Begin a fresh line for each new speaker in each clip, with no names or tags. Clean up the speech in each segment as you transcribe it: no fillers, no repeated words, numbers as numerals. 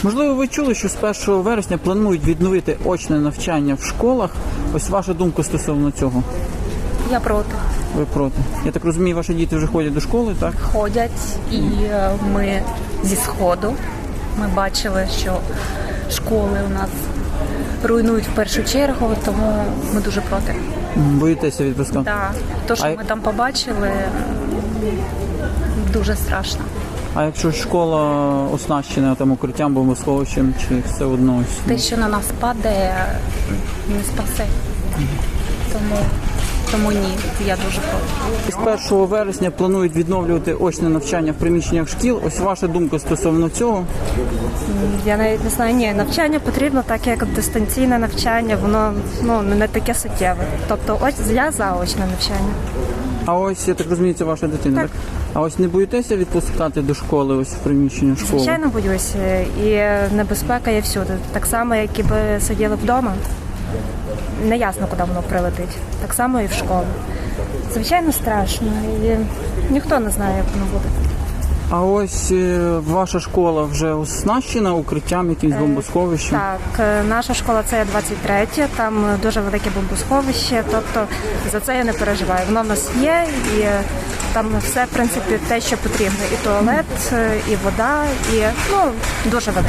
Можливо, ви чули, що з 1 вересня планують відновити очне навчання в школах. Ось ваша думка стосовно цього.
Я проти.
Ви проти? Я так розумію, ваші діти вже ходять до школи, так?
Ходять, і ми зі Сходу, ми бачили, що школи у нас руйнують в першу чергу, тому ми дуже проти.
Боїтеся відпускати?
Так, те, що ми там побачили, дуже страшно.
А якщо школа оснащена там укриттям, бомбосховищем, чи все одно?
Те, що на нас падає, не спасе. Тому ні, я дуже проти.
З 1 вересня планують відновлювати очне навчання в приміщеннях шкіл. Ось ваша думка стосовно цього?
Я навіть не знаю, ні, навчання потрібно, так як дистанційне навчання, воно не таке суттєве. Тобто ось я за очне навчання.
А ось, я так розумію, це ваша дитина, так? А ось не боїтеся відпускати до школи, ось в приміщення школи?
Звичайно, боюся. І небезпека є всюди. Так само, як і би сиділи вдома. Неясно, куди воно прилетить. Так само і в школу. Звичайно, страшно. І ніхто не знає, як воно буде.
А ось ваша школа вже оснащена укриттям, якимсь бомбосховищем?
Так, наша школа це є 23, там дуже велике бомбосховище, тобто за це я не переживаю. Воно в нас є, і там все, в принципі, те, що потрібно. І туалет, і вода, і дуже велике.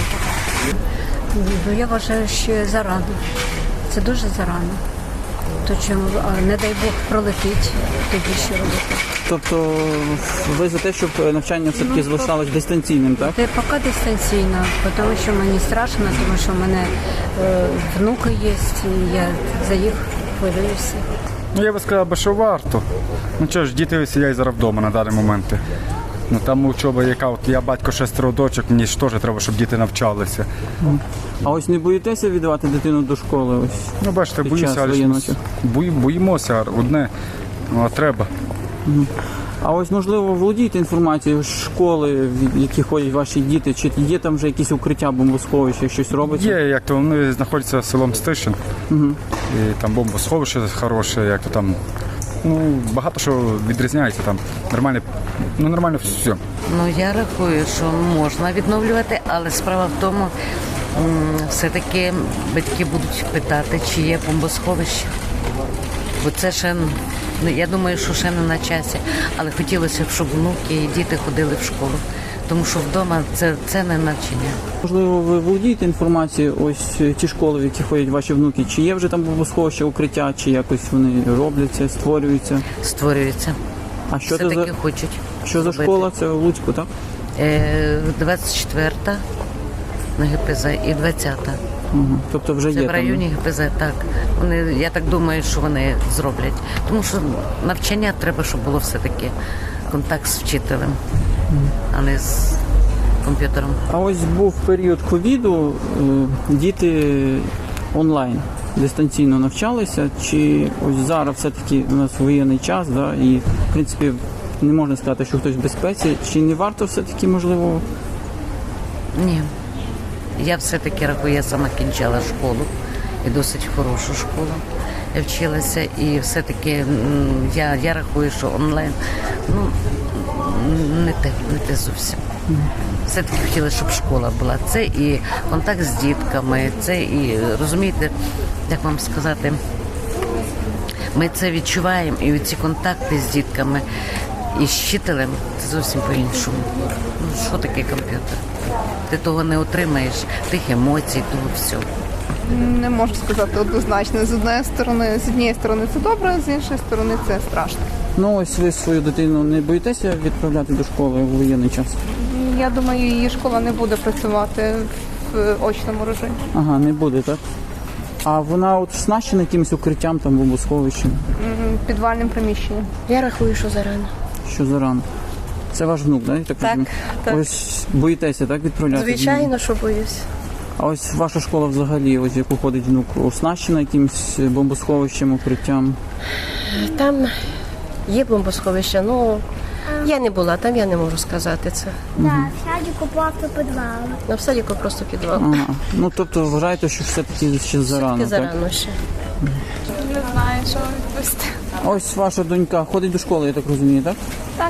Я вважаю, що зарано. Це дуже зарано. То чому, не дай Бог, пролетить, тоді що робити.
Тобто ви за те, щоб навчання все-таки залишалось дистанційним, так?
Це поки дистанційно, тому що мені страшно, тому що в мене внуки є, і я за їх хвилююся.
Я би сказав, що варто. Ну що ж, діти сидять зараз вдома на даний момент. Ну там учоба, яка от я батько 6 дочок, мені ж теж треба, щоб діти навчалися.
А ось не боїтеся віддавати дитину до школи? Ось
Ну бачите,
під
боюся,
час
але
воєнного
ж
часу?
боїмося одне, а треба.
А ось, можливо, володієте інформацією з школи, в які ходять ваші діти, чи є там вже якісь укриття, бомбосховища, щось робиться?
Є, як то вони знаходяться селом Стишин, і там бомбосховище хороше, як то там. Ну, багато що відрізняється там. Нормально все.
Ну, я рахую, що можна відновлювати, але справа в тому, все-таки батьки будуть питати, чи є бомбосховище. Бо це ще, я думаю, що ще не на часі. Але хотілося б, щоб внуки і діти ходили в школу. Тому що вдома це не навчання.
Можливо, ви володієте інформацією, ось ті школи, в які ходять ваші внуки, чи є вже там бомбосховище, укриття, чи якось вони робляться, створюються?
Створюється.
А що це
Все-таки
за,
хочуть.
що за школа? Це в Луцьку, так?
24-та на ГПЗ і 20-та.
Тобто вже
Це
є
в районі ГПЗ, так. Я так думаю, що вони зроблять. Тому що навчання треба, щоб було все-таки контакт з вчителем, а не з комп'ютером.
А ось був період ковіду, діти онлайн дистанційно навчалися, чи ось зараз все-таки у нас воєнний час, да, і в принципі не можна сказати, що хтось в безпеці, чи не варто все-таки, можливо?
Ні. Я все-таки рахую, я сама кінчала школу, і досить хорошу школу. Я вчилася, і все-таки я рахую, що онлайн, не те зовсім. Все-таки хотіла, щоб школа була. Це і контакт з дітками, це і, розумієте, як вам сказати, ми це відчуваємо, і ці контакти з дітками і з вчителем, це зовсім по-іншому. Що таке комп'ютер? Ти того не отримаєш, тих емоцій, того всього.
Не можу сказати однозначно. З однієї сторони це добре, з іншої сторони це страшно.
Ну ось ви свою дитину не боїтеся відправляти до школи у воєнний час?
Я думаю, її школа не буде працювати в очному режимі.
Ага, не буде, так? А вона от оснащена якимось укриттям, там, бомбосховищем?
Підвальним приміщенням.
Я рахую, що зарано.
Що зарано? Це ваш внук, так?
Так, так.
Ось боїтеся, так, відправляти?
Звичайно, що боюсь.
А ось ваша школа взагалі, ось яку ходить внук, оснащена якимось бомбосховищем, укриттям?
Там є бомбосховище, я не була там, я не можу сказати це.
Так, в садіку просто підвал.
В садіку просто підвал.
Ага. Ну, тобто вважаєте, що все-таки ще зарано,
Тільки
так?
зарано ще.
Не знаю, що відповісти.
Ось ваша донька ходить до школи, я так розумію, так?
Так.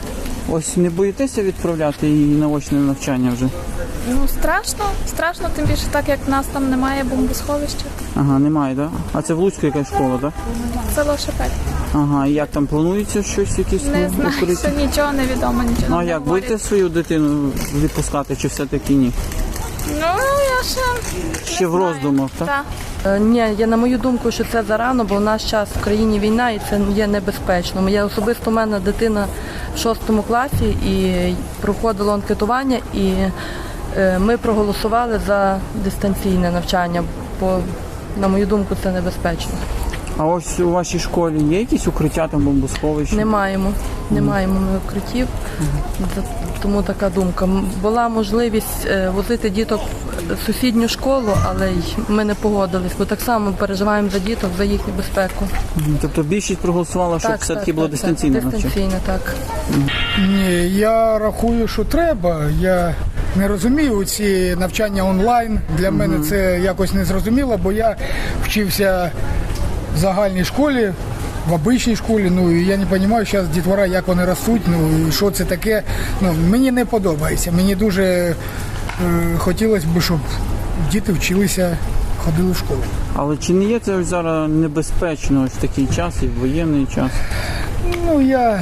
Ось не боїтеся відправляти її на очне навчання вже?
Ну, страшно, тим більше так, як в нас там немає бомбосховища.
Ага, немає, так? Да? А це в Луцьку якась школа, так?
Село Шепель.
Ага, і як там планується щось, якісь
Не знаю,
укриття?
що нічого не відомо, нічого
Ну а
не
як,
говорять.
будете свою дитину відпускати, чи все-таки ні?
Ну, я
Ще в роздумах, так?
так.
Ні, на мою думку, що це зарано, бо в наш час в країні війна і це є небезпечно. Я особисто, у мене дитина в 6 класі і проходило анкетування, і ми проголосували за дистанційне навчання, бо, на мою думку, це небезпечно.
А ось у вашій школі є якісь укриття, там бомбосховища?
Не маємо ми укриттів, тому така думка. Була можливість возити діток в сусідню школу, але ми не погодились, бо так само переживаємо за діток, за їхню безпеку.
Тобто більшість проголосувала, щоб все-таки було дистанційне навчання?
Дистанційне, так.
Ні, я рахую, що треба. Я не розумію ці навчання онлайн. Для мене це якось не зрозуміло, бо я вчився в загальній школі, в обичній школі. Ну і я не розумію зараз дітвора, як вони ростуть, ну і що це таке. Ну, мені не подобається. Мені дуже хотілося б, щоб діти вчилися, ходили в школу.
Але чи не є це ось зараз небезпечно ось в такий час і в воєнний час?
Ну, я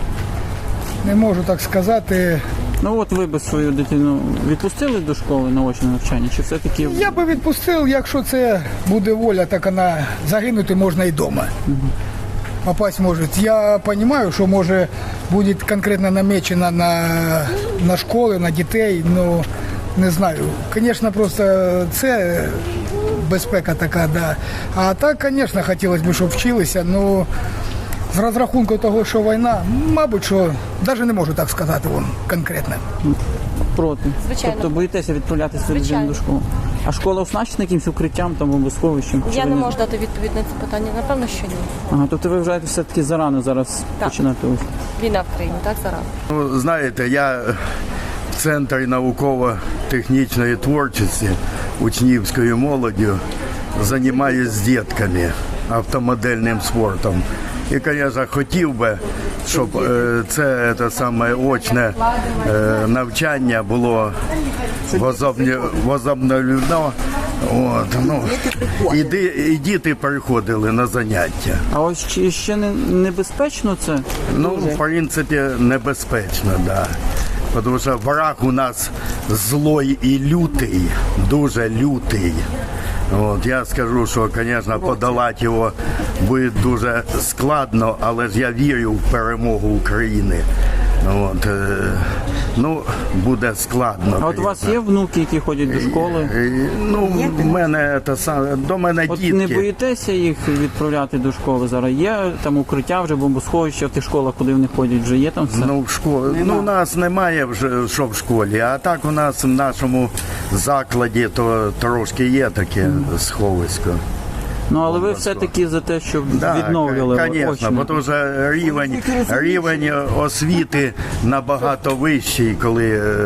не можу так сказати.
Ну от ви би свою дитину відпустили до школи на очне навчання, чи все-таки...
Я би відпустив, якщо це буде воля, так вона загинути можна і вдома. Попасть може. Я розумію, що може буде конкретно намечено на школи, на дітей, ну не знаю. Звісно, просто це безпека така, да. А так, звісно, хотілося б, щоб вчилися, ну з розрахунку того, що війна, мабуть, що навіть не можу так сказати вам конкретно.
Проти?
Звичайно.
Тобто боїтеся відправляти свою дитину до школи? А школа оснащена якимось укриттям, там, бомбосховищем?
Я не можу дати відповідь на це питання. Напевно, що ні.
Ага, тобто ви вважаєте все-таки зарано зараз починати ось?
Війна в країні, так, зараз.
Ну, знаєте, я в Центрі науково-технічної творчості учнівською молоддю займаюся з дітками автомодельним спортом. І, звісно, хотів би, щоб це саме очне навчання було возобновлено. От, ну, і діти приходили на заняття.
А ось чи ще не небезпечно це?
Ну, в принципі, небезпечно, так. Да. Тому що ворог у нас злой і лютий, дуже лютий. От, я скажу, що, звісно, подолати його буде дуже складно, але ж я вірю в перемогу України. От, ну, буде складно.
А от у вас є внуки, які ходять до школи?
Ну, в мене до мене
От
дітки.
не боїтеся їх відправляти до школи зараз? Є там укриття вже, бомбосховища в тих школах, куди вони ходять, вже є там все?
Ну, в школі. Ну, у нас немає вже що в школі, а так у нас в нашому закладі то трошки є таке сховисько.
Ну, але ви все-таки за те, щоб відновлювали
звісно,
очне.
тому що рівень освіти набагато вищий, коли,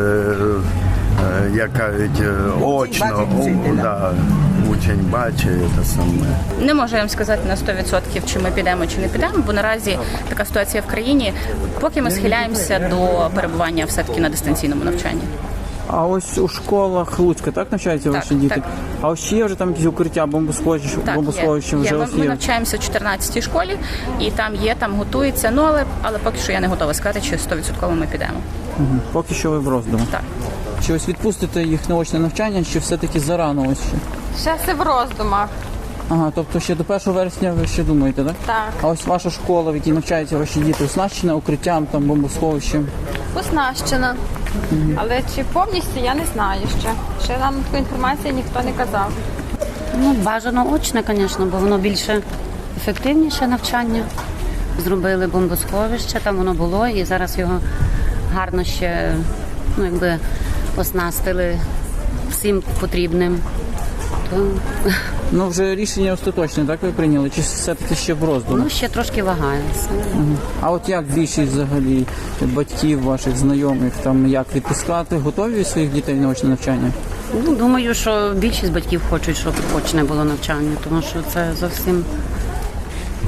як кажуть, очно, учень бачить те саме.
Не можу я вам сказати на 100%, чи ми підемо, чи не підемо, бо наразі така ситуація в країні. Поки ми схиляємося до перебування все-таки на дистанційному навчанні.
А ось у школах Луцька так навчаються ваші діти?
Так.
А ось чи є вже там якісь укриття, бомбосховища вже
Є.
ось
Ми
є?
навчаємося в 14-й школі, і там готується, ну але поки що я не готова сказати, чи 100% ми підемо.
Угу. Поки що ви в роздумах.
Так.
Чи ось відпустите їх на очне навчання, чи все-таки зарано ось ще?
Ще все в роздумах.
Ага, тобто ще до 1 вересня ви ще думаєте, так?
Так.
А ось ваша школа, в якій навчаються ваші діти, оснащена укриттям, там, бомбосховищем?
Оснащена. Але чи повністю, я не знаю ще. Ще нам таку інформацію ніхто не казав.
Ну, бажано очне, звісно, бо воно більше ефективніше навчання. Зробили бомбосховище, там воно було, і зараз його гарно ще, оснастили всім потрібним. То...
Ну, вже рішення остаточне, так ви прийняли? Чи все-таки ще в роздумах?
Ну, ще трошки вагається.
А от як більшість взагалі батьків, ваших знайомих, там як відпускати? Готові своїх дітей на очне навчання?
Ну, думаю, що більшість батьків хочуть, щоб очне було навчання, тому що це зовсім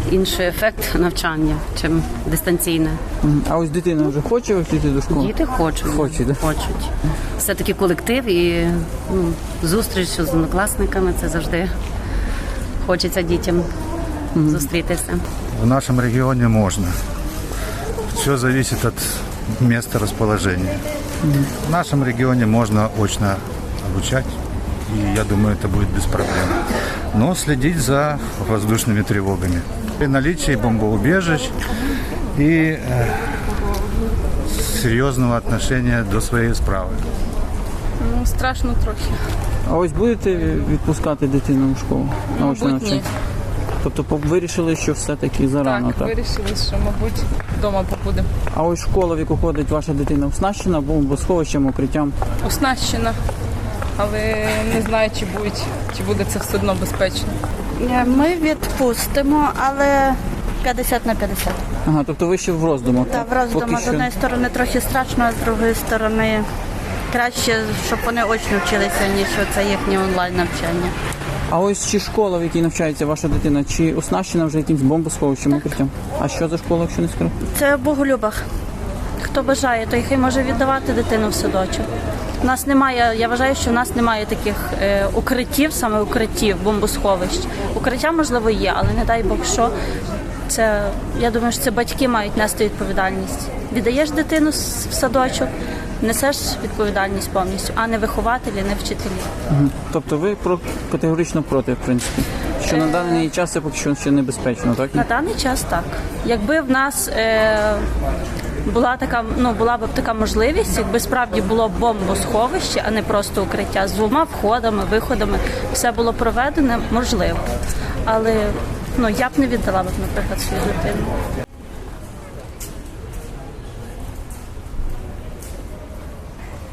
інший ефект навчання, чим дистанційне.
А ось дитина вже хоче йти до школи?
Діти хочуть. Хочуть. Все-таки колектив і зустріч з однокласниками – це завжди хочеться дітям зустрітися.
В нашем регионе можно. Все зависит от места расположения. В нашем регионе можно очно обучать, и я думаю, это будет без проблем. Но следить за воздушными тревогами. При наличии бомбоубежищ и серьезного отношения до своей справи.
Ну, страшно трохи.
А ось будете відпускати дитину в школу? Наочне
Мабуть, ні.
навчання? Тобто вирішили, що все-таки зарано, так?
Вирішили, що, мабуть, вдома побудемо.
А ось школа, в яку ходить ваша дитина, оснащена бомбосховищем, укриттям?
Оснащена, але не знаю, чи буде це все одно безпечно.
Ми відпустимо, але 50 на 50.
Ага, тобто ви ще в роздумах?
Так, в роздумах. З однієї сторони трохи страшно, а з другої сторони краще, щоб вони очно вчилися, ніж це їхнє онлайн-навчання.
А ось чи школа, в якій навчається ваша дитина, чи оснащена вже якимсь бомбосховищем, укриттям? А що за школа, якщо не скажу?
Це в Боголюбах. Хто бажає, той хай може віддавати дитину в садочок. У нас немає, я вважаю, що в нас немає таких укриттів, саме укриттів, бомбосховищ. Укриття, можливо, є, але не дай Бог що. Це, я думаю, що це батьки мають нести відповідальність. Віддаєш дитину в садочок, несеш відповідальність повністю, а не вихователі, не вчителі.
Тобто ви категорично проти, в принципі, що на даний час це поки що ще небезпечно, так?
На даний час так. Якби в нас була б така можливість, якби справді було бомбосховище, а не просто укриття, з 2 входами, виходами, все було проведено, можливо. Але я б не віддала, наприклад, свою дитину.